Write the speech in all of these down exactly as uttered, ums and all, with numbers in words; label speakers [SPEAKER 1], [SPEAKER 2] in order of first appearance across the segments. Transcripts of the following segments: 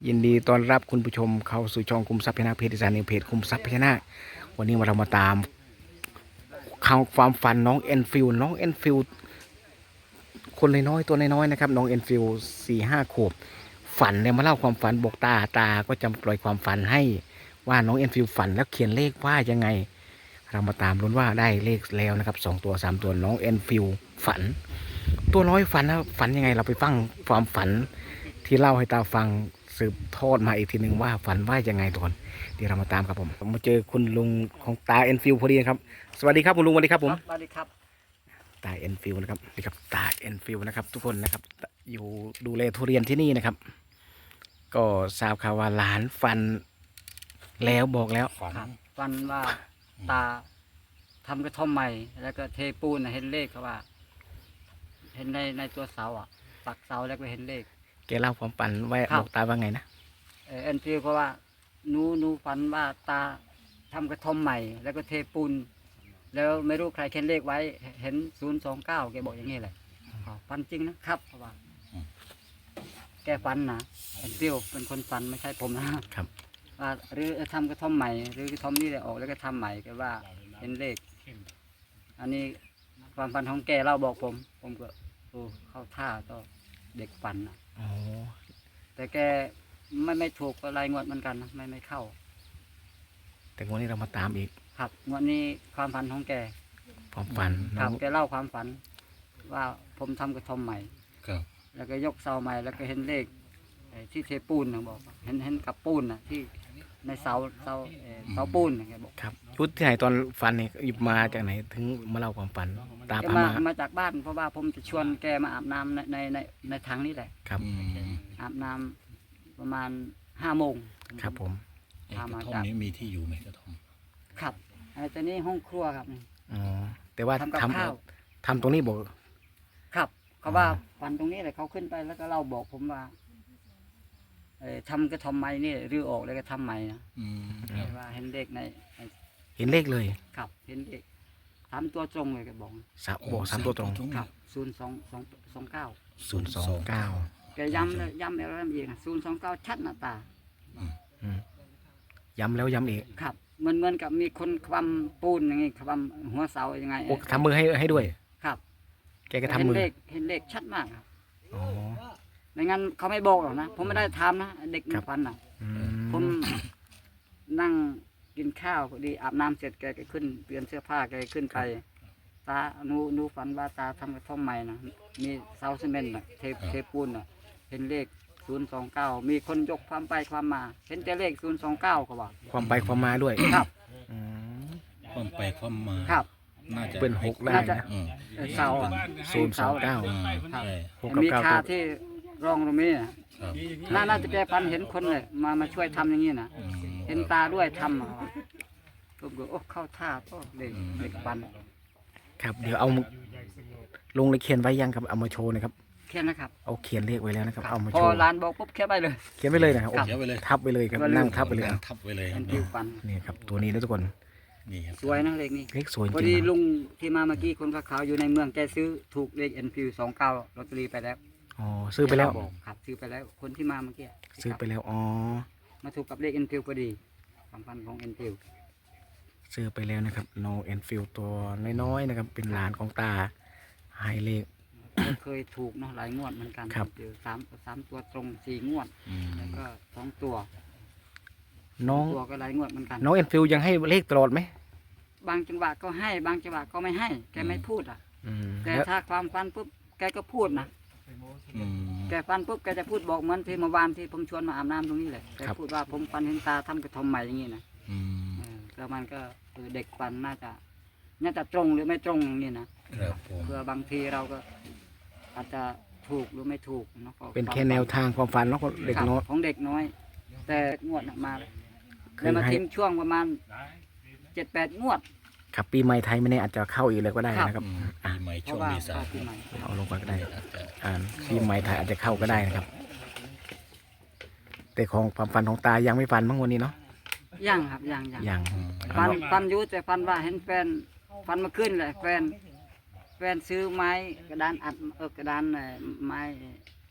[SPEAKER 1] ยินดีต้อนรับคุณผู้ชมเข้าสู่ช่องคุมทรัพย์พญานาคเพจอีสานนิวเพจคุมทรัพย์พญานาควันนี้เรามาตามข่าวความฝันน้องเอ็นฟิลน้องเอ็นฟิลคนน้อยๆตัวน้อยๆนะครับน้องเอ็นฟิลสี่ห้าขวบฝันเนี่ยมาเล่าความฝันบอกตาตาก็จะปล่อยความฝันให้ว่าน้องเอ็นฟิลฝันแล้วเขียนเลขว่ายังไงเรามาตามลุ้นว่าได้เลขแล้วนะครับสองตัวสามตัวน้องเอ็นฟิลฝันตัวน้อยฝันนะฝันยังไงเราไปฟังความฝันที่เล่าให้ตาฟังสืบทอดมาอีกทีหนึ่งว่าฝันว่ายังไงทุกคนเดี๋ยวเรามาตามครับผมผมมาเจอคุณลุงของตาเอ็นฟิลพอดีครับสวัสดีครับคุณลุงสวัสดีครับผม
[SPEAKER 2] สวัสดีครับ
[SPEAKER 1] ตาเอ็นฟิลนะครับนี่ครับตาเอ็นฟิลนะครับทุกคนนะครับอยู่ดูแลทุเรียนที่นี่นะครับ ก็ทราบข่าวว่าหลานฟันแล้วบอกแล้ว
[SPEAKER 2] ฝันฝันว่าตาทำกระท่อมใหม่ แล้วก็เทปูนน่ะเห็นเลขเขาว่า เห็นในในตัวเสาอ่ะปักเสาแล้วก็เห็นเลข
[SPEAKER 1] แกเล่าความฝันไว้
[SPEAKER 2] ครับ
[SPEAKER 1] บอกตาว่าไงนะ
[SPEAKER 2] เออเอ็นฟิวเพราะว่าหนูหนูฝันว่าตาทำกระท่อมใหม่ แล้วก็เทปูนแล้วไม่รู้ใครเขียนเลขไว้ เห็นศูนย์สองเก้าแกบอกอย่างนี้เลยฝันจริงนะครับเพราะว่า แกฝันนะเอ็นฟิวเป็นคนฝันไม่ใช่ผมนะครับ ว่าหรือทำกระท่อมใหม่ หรือกระท่อมนี่เลยออกแล้วก็ทำใหม่ก็ว่าเห็นเลข อันนี้ความฝันของแกเล่าบอกผม ผมก็โอ้เข้าท่าต่อเด็กฝันนะ
[SPEAKER 1] อ๋อ
[SPEAKER 2] แต่แกไม่ไม่ถูกก็รายงวดเหมือนกันนะไม่ไม่เข้า
[SPEAKER 1] แต่วันนี้เรามาตามอีก
[SPEAKER 2] ครับงวดนี้ความฝันของแก
[SPEAKER 1] ความฝัน
[SPEAKER 2] ค
[SPEAKER 1] น้
[SPEAKER 2] รั
[SPEAKER 1] อบ ง
[SPEAKER 2] แกเล่าความฝัน ว่าผมทำกระท่อมใหม่
[SPEAKER 3] ครับ
[SPEAKER 2] แล้วก็ยกเสาใหม่ แล้วก็เห็นเลขไอ้ที่เทปูนนะบอกเห็นเห็นกับปูนนะที่ในเสาเสาเอ่อเสาปูนนะแกบอก
[SPEAKER 1] ครับยุทธที่ไหนตอนฝันเนี่ยหยิบมาจากไหนถึงมาเล่าความฝันตา
[SPEAKER 2] แก
[SPEAKER 1] พา
[SPEAKER 2] มา
[SPEAKER 1] มา
[SPEAKER 2] มาจากบ้านเพราะว่าผมจะชวนแกมาอาบน้ำในในในในถังนี่แหละ
[SPEAKER 1] ครับ
[SPEAKER 3] อืม
[SPEAKER 2] อาบน้ำประมาณห้าโมง
[SPEAKER 1] ครับผม
[SPEAKER 3] ไอ้กระท่อมนี้มีที่อยู่ไหมกระท่อม
[SPEAKER 2] ครับไอ้ตัวนี้ห้องครัวครับนี่
[SPEAKER 1] อ๋อแต่ว่า
[SPEAKER 2] ทำกับ
[SPEAKER 1] ทำ
[SPEAKER 2] ข้าว
[SPEAKER 1] ทำตรงนี้บอก
[SPEAKER 2] ครับเขาว่าฝันตรงนี้เลยเขาขึ้นไปแล้วก็เล่าบอกผมว่าเอ่อทำกระทอมไม้นี่รื้อออกแล้วก็ทำใหม่นะ
[SPEAKER 3] อืมครับ
[SPEAKER 2] ว่าเห็นเลขในใน
[SPEAKER 1] เห็นเลขเลย
[SPEAKER 2] ครับเห็นเลขสามตัวตรงเลยแกบอก
[SPEAKER 1] สามบอกสามตัวตรง
[SPEAKER 2] ครับศูนย์สองสองสองเก้า
[SPEAKER 1] ศูนย์สองเก้า
[SPEAKER 2] แกย้ำเลยย้ำแล้วย้ำอีกศูนย์สองเก้าชัดหน้าตา
[SPEAKER 1] อืมย้ำแล้วย้ำอีก
[SPEAKER 2] ครับเหมือนเหมือนกับมีคนคว่ำปูนอย่างงี้คว่ำหัวเสายังไง
[SPEAKER 1] โอ้ทำมือให้ให้ด้วย
[SPEAKER 2] ครับ
[SPEAKER 1] แกก็
[SPEAKER 2] เห็
[SPEAKER 1] ทำ
[SPEAKER 2] น
[SPEAKER 1] มือ
[SPEAKER 2] เลขเห็นเลขชัดมากครับ
[SPEAKER 1] อ๋อ
[SPEAKER 2] ไม่งั้นเขาไม่บอกหรอกนะผมไม่ได้ทำนะเด็ก
[SPEAKER 1] ครั
[SPEAKER 2] มัน
[SPEAKER 1] บ
[SPEAKER 2] ฟันน่ะ
[SPEAKER 1] อื
[SPEAKER 2] ผม นั่งกินข้าวพอดีอาบน้ำเสร็จแกก็ขึ้นเปลี่ยนเสื้อผ้าแกก็ขึ้นไป ตาหนูหนูฝันว่าตาทำกระท่อมใหม่นะมีเสาซีเมนต์น่ะเทเทปูนน่ะเห็นเลขศูนย์สองเก้ามีคนยกความไปความมา เห็นแต่เลขศูนย์สองเก้าเขาบอก
[SPEAKER 1] ความไปความมาด้วย
[SPEAKER 2] ครับ
[SPEAKER 1] อืม
[SPEAKER 3] ความไปความมา
[SPEAKER 2] ครับ
[SPEAKER 3] น่าจะ
[SPEAKER 1] เป็นหกได้
[SPEAKER 2] น่าจะ
[SPEAKER 1] นะ
[SPEAKER 3] อืม
[SPEAKER 2] เอ่อเสาอะ
[SPEAKER 1] ศูนย์สองเก้า
[SPEAKER 3] อืม
[SPEAKER 2] ครับ
[SPEAKER 3] ใช่
[SPEAKER 1] หกกับ
[SPEAKER 2] มี
[SPEAKER 1] เก้า
[SPEAKER 2] คา
[SPEAKER 1] ตัว
[SPEAKER 2] ที่ร่องตรงนี้น่ะ
[SPEAKER 3] ครับ
[SPEAKER 2] น่าน่าจะแกฟันเห็นคนเลยมามาช่วยทำอย่างนี้นะ
[SPEAKER 3] อืม
[SPEAKER 2] เห็นตาด้วยทำอะผมก็โอ้เข้าท่าก็เด็กเด็กฟัน
[SPEAKER 1] ครับเดี๋ยวเอาลงในเขียนไว้ยังครับเอามาโชว์หนะครับ
[SPEAKER 2] แค่นะครับ
[SPEAKER 1] เอาเขียนเลขไว้แล้วนะครับเอามา
[SPEAKER 2] พ
[SPEAKER 1] โช
[SPEAKER 2] อ
[SPEAKER 1] ว์
[SPEAKER 2] ร้านบอกปุ๊บแค่ไปเลย
[SPEAKER 1] เขียนไว้เลยนะครับโอ้
[SPEAKER 3] เดี๋ยวไปเลย
[SPEAKER 1] ทับไปเลยครับ
[SPEAKER 2] ก็เลย
[SPEAKER 1] นั่งทับไปเลย
[SPEAKER 3] นั่
[SPEAKER 1] เอา
[SPEAKER 3] งทับไว้เลย
[SPEAKER 2] เป็นผิวฟัน
[SPEAKER 1] นี่ครับตัวนี้นะทุกคน
[SPEAKER 3] นี่ครับ
[SPEAKER 2] สวยนะเลขนี้
[SPEAKER 1] เลขสวยจ
[SPEAKER 2] พอ
[SPEAKER 1] ริ
[SPEAKER 2] ดี
[SPEAKER 1] งๆ
[SPEAKER 2] ลุ
[SPEAKER 1] นะ
[SPEAKER 2] งที่มาเมื่อกี้คนขาวๆอยู่ในเมืองแกซื้อถูกเลขเอ็นฟิวสองเก้าลอตเตอรี่ไปแล้ว
[SPEAKER 1] อ๋อซื้อไปแล้ว
[SPEAKER 2] บอกครับซื้อไปแล้วคนที่มาเมื่อกี้
[SPEAKER 1] ซื้อไปแล้วอ๋อ
[SPEAKER 2] มาถูกกับเลขเอ็นฟิวพอดีความพันของเอ็นฟิว
[SPEAKER 1] ซื้อไปแล้วนะครับ no and feel ตัวน้อยๆนะครับ เป็นหลานของตาให้เลข
[SPEAKER 2] เคยถูกเนาะหลายงวดเหมือนกัน
[SPEAKER 1] ครับ
[SPEAKER 2] เจอสามสามตัวตรงสี่งวด
[SPEAKER 3] อืม
[SPEAKER 2] แล้วก็สองตัว
[SPEAKER 1] น้อง
[SPEAKER 2] ตัวก็หลายงวดเหมือนกัน
[SPEAKER 1] น้อง and feel ยังให้เลขตลอดไหม
[SPEAKER 2] บางจังหวะก็ให้บางจังหวะก็ไม่ให้ แกไม่พูดอ่ะ
[SPEAKER 1] อืม
[SPEAKER 2] แต่
[SPEAKER 1] แล้ว
[SPEAKER 2] ถ้าความฟันปุ๊บแกก็พูดนะ
[SPEAKER 3] อืม
[SPEAKER 2] แกฟันปุ๊บแกจะพูดบอกเหมือนที่เมื่อวานที่ผมชวนมาอาบน้ำตรงนี้แหละแกพูดว่าผมฟันเห็นตาทำกระทอมใหม่อย่างนี้นะ
[SPEAKER 3] อืม
[SPEAKER 2] เออแล้วมันก็เออเด็กฟันน่าจะน่าจะตรงหรือไม่ตรงอย่างนี้นะครับ
[SPEAKER 3] ผม
[SPEAKER 2] เพื่อบางทีเราก็อาจจะถูกหรือไม่ถูกเนาะก็
[SPEAKER 1] เป็นแค่แนวทางความฝันเนาะของเด็ก
[SPEAKER 2] ครับ
[SPEAKER 1] น้อย
[SPEAKER 2] ของเด็กน้อย แต่งวดน่ะมา
[SPEAKER 1] เค
[SPEAKER 2] แล้ว
[SPEAKER 1] ย
[SPEAKER 2] มา
[SPEAKER 1] ให้
[SPEAKER 2] ทิ้งช่วงประมาณเจ็ดแปดงวด
[SPEAKER 1] ครับปีใหม่ไทยไม่แน่อาจจะเข้าอีกเลยก็ได้
[SPEAKER 2] ครับ
[SPEAKER 1] นะครับ
[SPEAKER 3] อืมปีใหม่
[SPEAKER 2] เพ
[SPEAKER 3] ช่ว
[SPEAKER 2] ราะ
[SPEAKER 3] ง
[SPEAKER 2] ว่า
[SPEAKER 3] เมษา
[SPEAKER 2] เข้าปีใหม่
[SPEAKER 1] เอาลงไปก็ได้
[SPEAKER 3] อาจจะ
[SPEAKER 1] อ่าปีใหม่ไทยอาจจะเข้าก็ได้นะครับ แต่ของความฝันของตายังไม่ฝันบ้างวันนี้เนาะ
[SPEAKER 2] ยังครับยังยัง
[SPEAKER 1] ยัง
[SPEAKER 3] อืม
[SPEAKER 2] ฟันฟันอยุแต่ฟันว่าเห็นแฟนฟันมาขึ้นเลยแฟนแฟนซื้อไม้กระดานอัดเออกระดานเอ่อไม้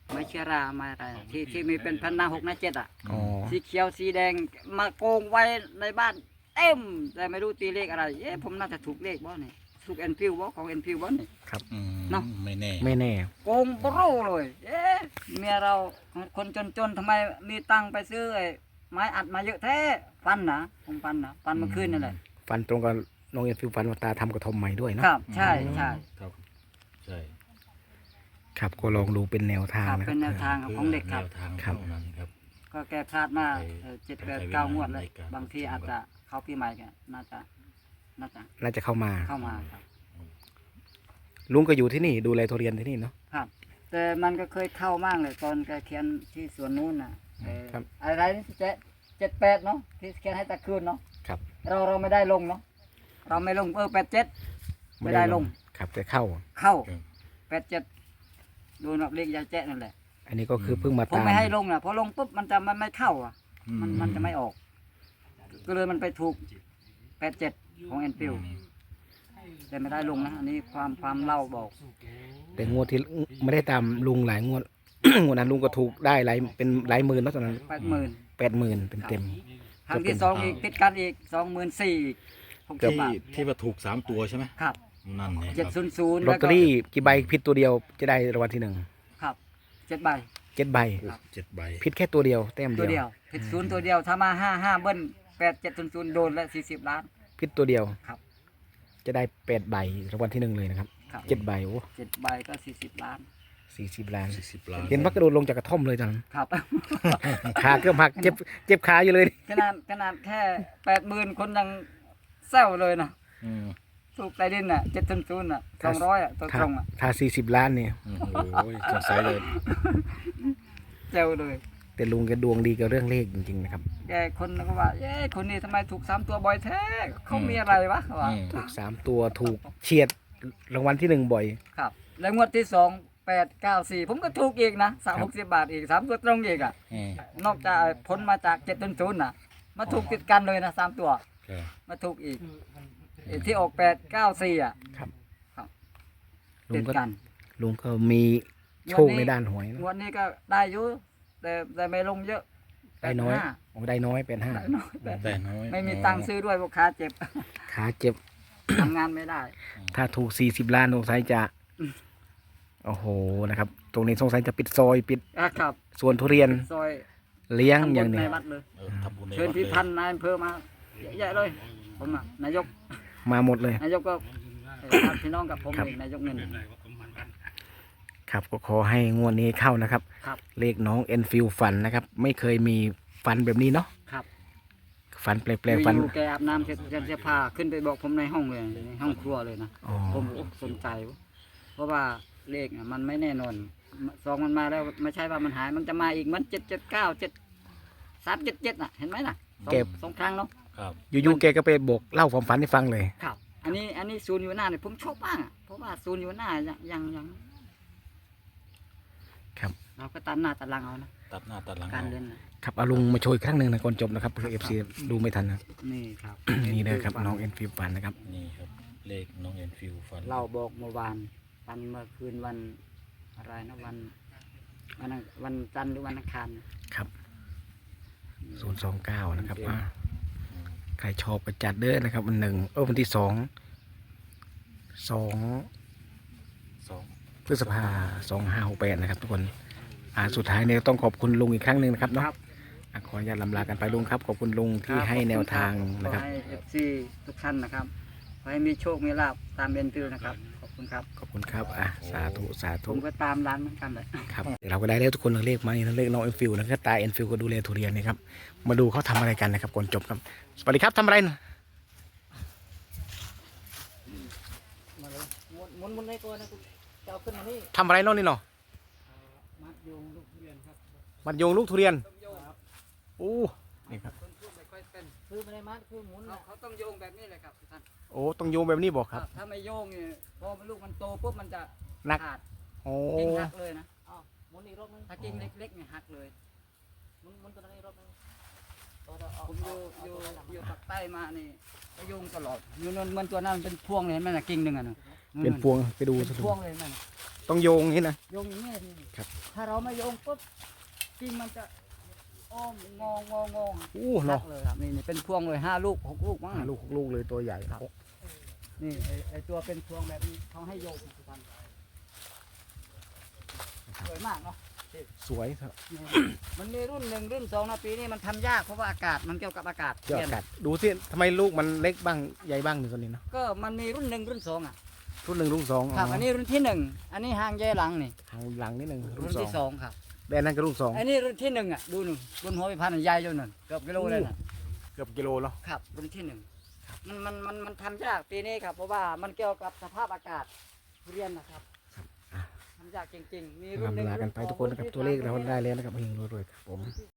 [SPEAKER 2] ไม้เชื้อราไม้อะไรที่ที่มีเป็นพันหน้าหกหน้าเจ็ดอ่ะ
[SPEAKER 1] อ๋อ
[SPEAKER 2] สีเขียวสีแดงมาโกงไว้ในบ้านเต็มแต่ไม่รู้ตีเลขอะไรเอ๊ะผมน่าจะถูกเลขบ่เนี่ยถูกเอ็นฟิวบ่ของเอ็นฟิวบ่เนี่ย
[SPEAKER 3] อืม
[SPEAKER 2] เนาะ
[SPEAKER 3] ไม่แน่
[SPEAKER 1] ไม่แน่
[SPEAKER 2] โกงโปรเลยเอ๊ะเมียเราคนจนๆทำไมมีตังค์ไปซื้อไอ้ไม้อัดมาเยอะแท้ฟันนะผมฟันนะฟันเมื่อคืนนั่นแหละ
[SPEAKER 1] ฟันตรงกับน้องเอ็นฟิวฟันว่าตาทำกระทอมใหม่ด้วยเนาะ
[SPEAKER 2] ครับใช่ใช่
[SPEAKER 3] ครับใช่
[SPEAKER 1] ครับก็ลองดูเป็นแนวทาง
[SPEAKER 2] ครับ
[SPEAKER 1] นะค
[SPEAKER 2] เป็
[SPEAKER 1] รั
[SPEAKER 2] น
[SPEAKER 1] บ
[SPEAKER 2] แนวทางของเด็กครับ
[SPEAKER 3] แนวทาง
[SPEAKER 1] ครับ
[SPEAKER 3] เท่านั้นครับ
[SPEAKER 2] ก็แกพลาดมาเอ่อเจ็ดแปดเก้างวดเลย
[SPEAKER 3] ในการ
[SPEAKER 2] บางทีอาจจะเข้าปีใหม่กันน่าจะน่าจะ
[SPEAKER 1] น่าจะเข้ามา
[SPEAKER 2] เข้ามาครับ
[SPEAKER 1] ลุงก็อยู่ที่นี่ดูแลทุเรียนที่นี่เนาะ
[SPEAKER 2] ครับ แต่มันก็เคยเข้ามากเลยตอนแกเขียนที่สวนนู้นน่ะเอ่อ
[SPEAKER 1] ครับ
[SPEAKER 2] อะไรนี่เจ็ดเจ็ดแปดเนาะที่เขียนให้ตะคืนเนาะ
[SPEAKER 1] ครับ
[SPEAKER 2] เราเราไม่ได้ลงเนาะเราไม่ลงเออแปดเจ็ดไม่ได้ลง
[SPEAKER 1] ครับแต่เข้า
[SPEAKER 2] เข้า
[SPEAKER 3] ครับ
[SPEAKER 2] แปดเจ็ดดูนับเลขยายแจ๊ะนั่นแหละ
[SPEAKER 1] อันนี้ก็คือเพิ่งมา
[SPEAKER 2] ผม
[SPEAKER 1] ตาม
[SPEAKER 2] ไม่ให้ลงนะพอลงปุ๊บมันจะมันไม่เข้าอ่ะ
[SPEAKER 3] อื
[SPEAKER 2] มันมันจะไม่ออก ก็เลยมันไปถูกแปดเจ็ดของแอนฟิลแต่ไม่ได้ลงนะ อันนี้ความความเล่าบอก
[SPEAKER 1] แต่งวดที่ไม่ได้ตามลุงหลายงวด งวดนั้นลุงก็ถูกได้หลายเป็นหลายหมื่นเนาะตอนนั้น
[SPEAKER 2] แปดหมื่น
[SPEAKER 1] แปดหมื่นเต็มเต็ม
[SPEAKER 2] ครั้งที่สองอีกติดกันอีกสองหมื่นสี่หกสิบ
[SPEAKER 3] ที่
[SPEAKER 2] บาท
[SPEAKER 3] ที่ว่าถูกสามตัวใช่ไหม
[SPEAKER 2] ครับ
[SPEAKER 3] นั่นไงค
[SPEAKER 2] เจ็ด
[SPEAKER 3] รับ
[SPEAKER 2] ศูนย์ศูนย์
[SPEAKER 1] ลอตเตอรี่กี่ใบผิดตัวเดียวจะได้รางวัลที่หนึ่ง
[SPEAKER 2] ครับเจ็ดใบ
[SPEAKER 1] เจ็ดใบ
[SPEAKER 3] เจ็ดใบ
[SPEAKER 1] ผิดแค่ตัวเดียวแต้ม
[SPEAKER 2] ตัว
[SPEAKER 1] เดี
[SPEAKER 2] เดี
[SPEAKER 1] ย
[SPEAKER 2] ยว วผิดศูนย์ตัวเดียวถ้ามาห้าห้าเบิ้ลแปดเจ็ดศูนย์ศูนย์โดนละสี่สิบล้าน
[SPEAKER 1] ผิดตัวเดียว
[SPEAKER 2] ครับ
[SPEAKER 1] จะได้แปดใบรางวัลที่หนึ่งเลยนะครับ
[SPEAKER 2] ครับ
[SPEAKER 1] เจ็ดใบโอ้
[SPEAKER 2] เจ็ดใบก็สี่สิบล้าน
[SPEAKER 1] สี่สิบล้าน
[SPEAKER 3] สี่สิบล้าน
[SPEAKER 1] เห็นว่ากระโดดลงจากกระท่อมเลยตอนนั้น
[SPEAKER 2] ครับ
[SPEAKER 1] ขาเกือบหักเจ็บเจ็บขาอยู่เลย
[SPEAKER 2] ขนาดขนาดแค่แปดหมื่นคนยังแซวเลยนะ
[SPEAKER 3] อืม
[SPEAKER 2] ถูกใต้ดินอ่ะเจ็ดศูนย์ศูนย์อ่ะสองร้อยอ่ะตัว
[SPEAKER 1] ถ้า
[SPEAKER 2] ตรงอ่ะ
[SPEAKER 1] ถ้าสี่สิบล้านเนี่ย
[SPEAKER 3] โอ้โหสงสัยเลย
[SPEAKER 2] แซวเลย
[SPEAKER 1] แต่ลุงแกดวงดีกับเรื่องเลขจริงๆนะครับ
[SPEAKER 2] แกคนก็ว่าเย้คนนี้ทำไมถูกสามตัวบ่อยแท้เขามีอะไรวะเขาว่า
[SPEAKER 3] อืม
[SPEAKER 1] ถูกสามตัวถูกเฉียดรางวัลที่หนึ่งบ่อย
[SPEAKER 2] ครับ แล้วงวดที่สองแปดเก้าสี่ผมก็ถูกอีกนะสามหกสิบบาทอีกสามตัวตรงอีกอ่ะ
[SPEAKER 3] อืม
[SPEAKER 2] นอกจากผลมาจากเจ็ดศูนย์ศูนย์น่ะ มาถูกติดกันเลยนะสามตัว
[SPEAKER 3] ครับ
[SPEAKER 2] มาถูกอีกไอ้ที่ออกแปดเก้าสี่อ่ะ
[SPEAKER 1] ครับ
[SPEAKER 2] ครับ
[SPEAKER 1] ลุ
[SPEAKER 2] ติ
[SPEAKER 1] ง
[SPEAKER 2] ด
[SPEAKER 1] ก็
[SPEAKER 2] กัน
[SPEAKER 1] ลุงก็มีโชคในด้านหวยนะ
[SPEAKER 2] งวดนี้ก็ได้อยู่แต่แต่ไม่ลงเยอะ
[SPEAKER 1] ได้น้อย
[SPEAKER 2] แปห้า
[SPEAKER 1] โอ้ได้น้อยเป็นห้า
[SPEAKER 2] ได้น้อยแต่
[SPEAKER 3] แต่น้อย
[SPEAKER 2] ไม่มีตังค์ซื้อด้วยลูกค้าเจ็บ
[SPEAKER 1] ขาเจ็บ
[SPEAKER 2] ทำงานไม่ได้
[SPEAKER 1] ถ้าถูกสี่สิบล้านสงสัยจะ
[SPEAKER 2] อืม
[SPEAKER 1] โอ้โหนะครับ ตรงนี้สงสัยจะปิดซอยปิด
[SPEAKER 2] อ่ะครับ
[SPEAKER 1] สวนทุเรียน
[SPEAKER 2] ซอย
[SPEAKER 1] เลี้ยง
[SPEAKER 2] ทำ
[SPEAKER 1] อ
[SPEAKER 2] บุ
[SPEAKER 1] ย่าง
[SPEAKER 2] ญใน
[SPEAKER 1] นี้
[SPEAKER 2] วัดเลย
[SPEAKER 3] เออทำบุญใน
[SPEAKER 2] เชิญ
[SPEAKER 3] วัด
[SPEAKER 2] พี่
[SPEAKER 3] เลย
[SPEAKER 2] พันธุ์นายอำเภอมาเยอะแยะเลย ผมอ่ะนายก
[SPEAKER 1] มาหมดเลย
[SPEAKER 2] นายกก็เอ่อญาติพี่น้องกับผม
[SPEAKER 1] ครับ
[SPEAKER 2] เองนายกเงิน
[SPEAKER 1] ครับก็ขอให้งวดนี้เข้านะครับ
[SPEAKER 2] ครับ
[SPEAKER 1] เลขน้องเอ็นฟิลฟันนะครับ ไม่เคยมีฟันแบบนี้เนาะ
[SPEAKER 2] ครับ
[SPEAKER 1] ฟันแปลกๆฟัน
[SPEAKER 2] อยู่ๆแกอาบน้ำเสร็จจะจะพาขึ้นไปบอกผมในห้องเลยในห้องครัวเลยนะ
[SPEAKER 1] อ๋อ
[SPEAKER 2] ผมโอ้สนใจเว้ยเพราะว่าเลขน่ะมันไม่แน่นอนสองมันมาแล้วไม่ใช่ว่ามันหายมันจะมาอีกมันเจ็ดเจ็ดเก้าเจ็ดสามเจ็ดเจ็ดน่ะเห็นไหมน่ะสอง
[SPEAKER 1] เก็บ
[SPEAKER 2] สองครั้งเนาะ
[SPEAKER 3] ครับ
[SPEAKER 1] อยู่ๆแกก็ไปบอกเล่าความฝันให้ฟังเลย
[SPEAKER 2] ครับ อันนี้อันนี้ศูนย์อยู่หน้าเนี่ยผมชอบมากอะเพราะว่าศูนย์อยู่หน้ายังยังยัง
[SPEAKER 1] ครับ
[SPEAKER 2] เราก็ตัดหน้าตัดหลังเอานะ
[SPEAKER 3] ตัดหน้าตัดหลัง
[SPEAKER 2] การ
[SPEAKER 3] เอา
[SPEAKER 2] เล่นน่ะ
[SPEAKER 1] ครับเอาลุงมาโชยครั้งหนึ่งนะก่อนจบนะครับเพื่อเอฟซีดูไม่ทันนะ
[SPEAKER 2] นี่ครับ
[SPEAKER 1] นี่เลยครับน้องเอ็นฟิลฟันนะครับ
[SPEAKER 3] นี่ครับเลขน้องเอ็นฟิวฟัน
[SPEAKER 2] เราบอกเมื่อวานวันเมื่อคืนวันอะไรนะวันวันอังวันจันทร์หรือวันอังคาร
[SPEAKER 1] ครับศูนย์สองเก้านะครับอ่าใครชอบก็จัดเด้อนะครับวันหนึ่งเออวันที่สองสอง
[SPEAKER 3] สอง
[SPEAKER 1] พฤษภาสองห้าหกแปดนะครับทุกคนอ่าสุดท้ายเนี่ยต้องขอบคุณลุงอีกครั้งหนึ่งนะครับเนาะอ่ะขออนุญาตลำลากันไปลุงครับขอบคุณลุงที่ให้แนวทางนะครับ
[SPEAKER 2] ขอให้เอฟซีทุกท่านนะครับขอให้มีโชคมีลาภตามเอ็นฟิวนะครับขอบคุณครับ
[SPEAKER 1] ขอบคุณครับอ่ะสาธุสา
[SPEAKER 2] ผ
[SPEAKER 1] ธุ
[SPEAKER 2] มก็ตามร้านเหมือนกันเลย
[SPEAKER 1] ครับเดี๋ยวเราก็ได้แล้วทุกคนเลขมานี่เลขน้องเอ็นฟิลนะครับตาเอ็นฟิลก็ดูแลทุเรียนนะครับมาดูเขาทำอะไรกันนะครับก่อนจบครับสวัสดีครับทำอะไรนะ
[SPEAKER 2] มาเลยหมุนหมุนหมุนในตัวนะคุณจะเอาขึ้นมานี่
[SPEAKER 1] ทำอะไรน้องนี่เนาะ
[SPEAKER 2] มัดโยงลูกเรียนครับ
[SPEAKER 1] มัดโยงลูกทุเรียน
[SPEAKER 2] ต้องโยงครับ
[SPEAKER 1] โอ้นี่ครับ
[SPEAKER 2] คนพูดไม่ค่อยเป็นคือไม่ได้มัดคือหมุนเขาเขาต้องโยงแบบนี้เลยครับทุกท่าน
[SPEAKER 1] โอ้ต้องโยงแบบนี้บอกครับ
[SPEAKER 2] ถ้าไม่โยงเนี่ยพอลูกมันโตปุ๊บมันจะ
[SPEAKER 1] หนัก
[SPEAKER 2] ขาด
[SPEAKER 1] โอ้
[SPEAKER 2] กิ่งหักเลยนะ
[SPEAKER 4] อ้าวหมุนอีกรอบนึง
[SPEAKER 2] ถ้ากิ่งเล็กๆเนี่ยหักเลย
[SPEAKER 4] หมุนหมุนตัวนั้นอีกรอบนึงตัวเราเอา
[SPEAKER 2] ผมอยู่
[SPEAKER 4] เอา
[SPEAKER 2] อยู่
[SPEAKER 4] ตัวนั้น
[SPEAKER 2] อยู่ปากใต้มานี่ก็โยงตลอดอยู่นั่นมันตัวนั้นเป็นพวงเลยเห็นไหมน่ะกิ่งหนึ่งอ่ะนะ
[SPEAKER 1] เป็นพวงไปดู
[SPEAKER 2] เป็น
[SPEAKER 1] ส
[SPEAKER 2] พวงเลยนั่นน่ะ
[SPEAKER 1] ต้องโยงอย่างนี้นะ
[SPEAKER 2] โยงอย่างนี้นี่
[SPEAKER 1] ครับ
[SPEAKER 2] ถ้าเราไม่โยงปุ๊บกิ่งมันจะอ้อมงองององ
[SPEAKER 1] อู้เนาะ
[SPEAKER 2] เลยครับนี่นี่เป็นพวงเลยห้าลูกหกลูกมั้ง
[SPEAKER 1] หาลูกหกลูกเลยตัวใหญ่
[SPEAKER 2] ครับ นี่ไอไอตัวเป็นพวงแบบนี้เขาให้โยงทุกวันสวยมากเนาะ
[SPEAKER 1] สวยครับ
[SPEAKER 2] นี่มันมีรุ่นหนึ่งรุ่นสองนะปีนี้มันทำยากเพราะว่าอากาศมันเกี่ยวกับอากาศ
[SPEAKER 1] เจ้ากัดดูสิทำไมลูกมันเล็กบ้างใหญ่บ้างหนึ่งตัวนี้เนาะ
[SPEAKER 2] ก็มันมีรุ่นหนึ่งรุ่นสองอ่ะ
[SPEAKER 1] รุ่นหนึ่งรุ่นสอง
[SPEAKER 2] ครับอันนี้รุ่นที่หนึ่งอันนี้หางแย่หลังนี่
[SPEAKER 1] ทางหลังนิดหนึ่งรุ่
[SPEAKER 2] รุ่
[SPEAKER 1] น
[SPEAKER 2] น
[SPEAKER 1] สอ
[SPEAKER 2] ที่
[SPEAKER 1] ง
[SPEAKER 2] สองครับ
[SPEAKER 1] แดนนั้นก็รุ่นสอง
[SPEAKER 2] อันนี้รุ่นที่หนึ่งอ่ะดูหนึ่งรุ่นหัวพิพันธ์ใหญ่จนหนึ่งเกือบกิโลเลยนะ
[SPEAKER 1] เกือบกิโลแล้ว
[SPEAKER 2] ครับรุ่นที่หนึ่งมันมันมันมันทำยากปีนี้ครับเพราะว่ามันเกี่ยวกับสภาพอากาศทุเรียนนะครับทำยากจริงๆมีรุ่นหนึ่ง
[SPEAKER 1] ลากันไปทุกคนนะครับตัวเลขเราได้แล้วนะครับเฮงรวยๆครับผม